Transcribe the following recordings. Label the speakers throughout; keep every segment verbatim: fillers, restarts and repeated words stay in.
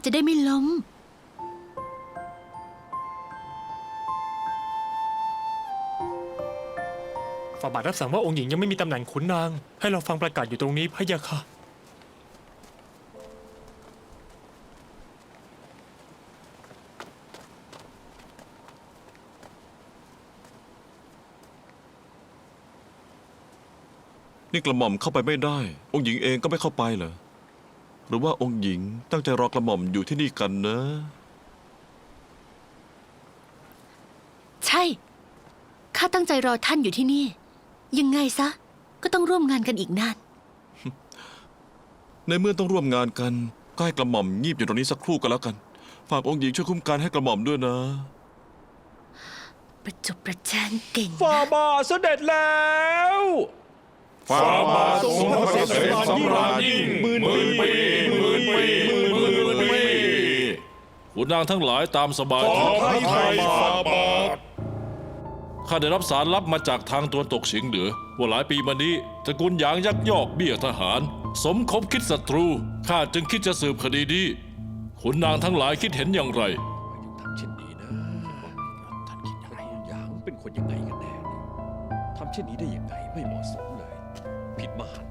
Speaker 1: จะได้ไม่ล้ม
Speaker 2: ฝ่าบาทรับสั่งว่าองค์หญิงยังไม่มีตำแหน่งขุนนางให้เราฟังประกาศอยู่ตรงนี้พะยะค่ะ
Speaker 3: นี่กระหม่อมเข้าไปไม่ได้องค์หญิงเองก็ไม่เข้าไปเหรอหรือว่าองค์หญิงตั้งใจรอกระหม่อมอยู่ที่นี่กันนะ
Speaker 1: ใช่ข้าตั้งใจรอท่านอยู่ที่นี่ยังไงซะก็ต้องร่วมงานกันอีกนาน
Speaker 3: ในเมื่อต้องร่วมงานกันก็ให้กระหม่อมงีบอยู่ตรงนี้สักครู่ก็แล้วกันฝากองค์หญิงช่วยคุ้มกันให้กระหม่อมด้วยนะ
Speaker 1: ประจบประแจงเก่ง
Speaker 4: ฝ่า
Speaker 1: นะ
Speaker 4: บาทเสด็จแล้วฝ่าบาททรงพระเกษมสำราญยิ่งหมื่นปีหมื่นปีหมื่นปีขุนนางทั้งหลายตามสบายขอพระทัยฝ่าบาทข้าได้รับสารลับมาจากทางตะวันตกเฉียงเหนือว่าหลายปีมานี้ตระกูลหยางยักยอกเบี้ยทหารสมคบคิดศัตรูข้าจึงคิดจะสืบคดีนี้ขุนนางทั้งหลายคิดเห็นอย่างไร
Speaker 5: ทำเช่นนี้นะท่านคิดยังไงหยางเป็นคนยังไงกันแน่ทำเช่นนี้ได้ยังไงไม่เหมาะสมเลยผิดมหันต์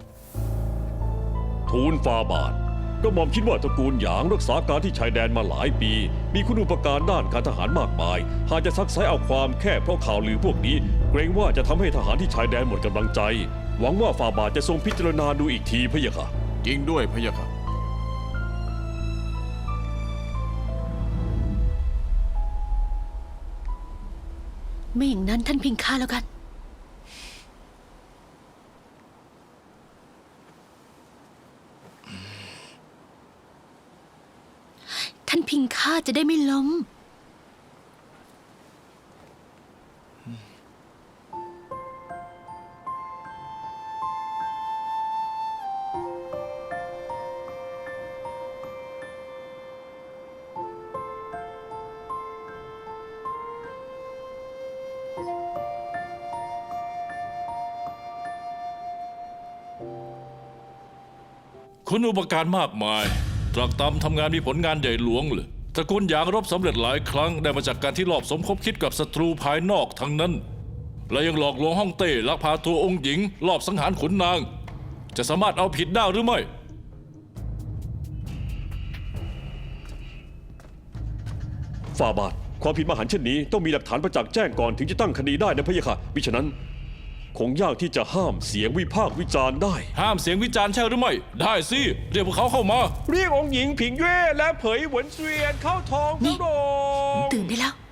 Speaker 5: ทูลฝ่าบาทก็หม่อมคิดว่าตระกูลหยางรักษาการที่ชายแดนมาหลายปีมีคุณูปการด้านการทหารมากมายหากจะซักไซเอาความแค่เพราะข่าวลือพวกนี้เกรงว่าจะทำให้ทหารที่ชายแดนหมดกำลังใจหวังว่าฝ่าบาทจะทรงพิจารณาดูอีกทีพะยะค่ะ
Speaker 3: จริงด้วยพะยะค่ะ
Speaker 1: ไม่อย่างนั้นท่านพิงข้าแล้วกันท่านพิงข้าจะได้ไม่ล้ม
Speaker 4: คุณอุปการมากมายตรักตำทำงานมีผลงานใหญ่หลวงเลยตระกูลหยางรบสำเร็จหลายครั้งได้มาจากการที่ลอบสมคบคิดกับศัตรูภายนอกทั้งนั้นและยังหลอกลวงฮ่องเต้ลักพาตัวองค์หญิงลอบสังหารขุนนางจะสามารถเอาผิดได้หรือไม่ฝ่าบาทความผิดมหันต์เช่นนี้ต้องมีหลักฐานประจักษ์แจ้งก่อนถึงจะตั้งคดีได้นะพะยะค่ะมิฉะนั้นคงยากที่จะห้ามเสียงวิพากษ์วิจารณ์ได้ห้ามเสียงวิจารณ์ใช่หรือไม่ได้สิเรียกพวกเขาเข้ามาเรียกองค์หญิงผิงเย่และเผยหวนเสวียนเข้าทองพระโรง
Speaker 1: ตื่นได้แล้ว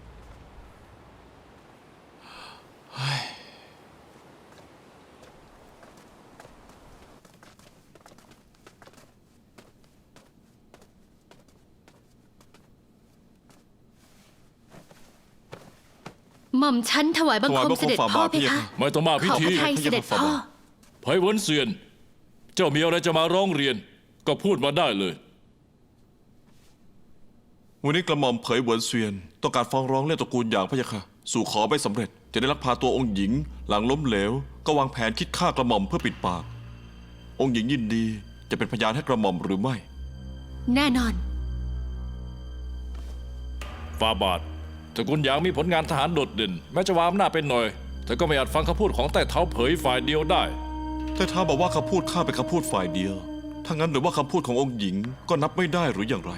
Speaker 1: หม่อมฉันถวายบังคมเสด็จพ่อเพคะ
Speaker 4: ไม่ต้องมาพิ
Speaker 1: ขอ
Speaker 4: ธี
Speaker 1: พระทัยเสด็จพ่อ
Speaker 4: เผยหวนเสวียนเจ้ามีอะไรจะมาร้องเรียนก็พูดมาได้เลย
Speaker 3: วันนี้กระหม่อมเผยเหวินเสวียนต้องการฟ้องร้องเรื่องตระกูลหยางพะยะค่ะสู่ขอไม่สำเร็จจะได้ลักพาตัวองค์หญิงหลังล้มเหลวก็วางแผนคิดฆ่ากระหม่อมเพื่อปิดปากองค์หญิงยินดีจะเป็นพยานให้กระหม่อมหรือไม่
Speaker 1: แน่นอน
Speaker 4: ฟาบาทตระกูลหยางมีผลงานทหารโดดเด่นแม้จะวามหน้าเป็นหน่อยแต่ก็ไม่อาจฟังคำพูดของแต่เท้าเผยฝ่ายเดียวได้
Speaker 3: แต่ท้าบอกว่าคำพูดข้าเป็นคำพูดฝ่ายเดียวถ้างั้นหรือว่าคำพูดขององค์หญิงก็นับไม่ได้หรืออย่างไร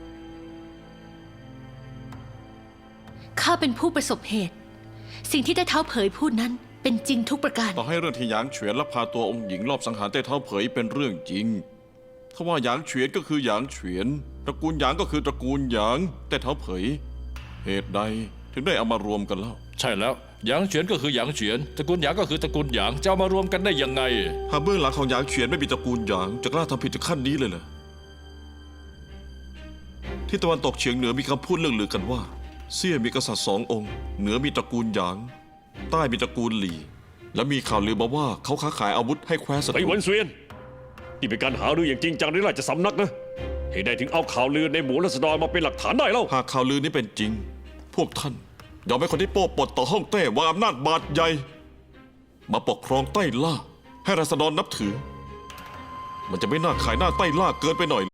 Speaker 1: ข้าเป็นผู้ประสบเหตุสิ่งที่ได้เท้าเผยพูดนั้นเป็นจริงทุกประการ
Speaker 3: ต่อให้เรื่องที่หยางเฉวียนลักพาตัวองค์หญิงรอบสังหารเต้เท้าเผยเป็นเรื่องจริงถ้าว่าหยางเฉวียนก็คือหยางเฉวียนตระกูลหยางก็คือตระกูลหยางเต้เท้าเผยเหตุใดถึงได้เอามารวมกันแล้ว
Speaker 4: ใช่แล้วหยางเฉียนก็คือหยางเฉียนตระกูลหยางก็คือตระกูลหยางจะเอามารวมกันได้ยังไง
Speaker 3: หากเบื้องหลังของหยางเฉียนไม่มีตระกูลหยางจะกล้าทำผิดถึงขั้นนี้เลยเหรอที่ตะวันตกเฉียงเหนือมีคำพูดเรื่องลือกันว่าเซี่ยมีกษัตริย์สององค์เหนือมีตระกูลหยางใต้มีตระกูลหลี่และมีข่าวลือมาว่าเขาค้าขายอาวุธให้แคว้นศัตรู
Speaker 5: ไอ้หวนเสวียนนี่เป็นการหารืออย่างจริงจังในราชสำนักนะเหตุใดถึงเอาข่าวลือในหมู่ราษฎรมาเป็นหลักฐานได้เล่า
Speaker 3: หากข่าวลือนี้เป็นจริงพวกท่านยอมให้คนที่โป้ปดต่อฮ่องเต้วางอำนาจบาดใหญ่มาปกครองใต้ล่าให้ราษฎรนับถือมันจะไม่น่าขายหน้าใต้ล่าเกินไปหน่อย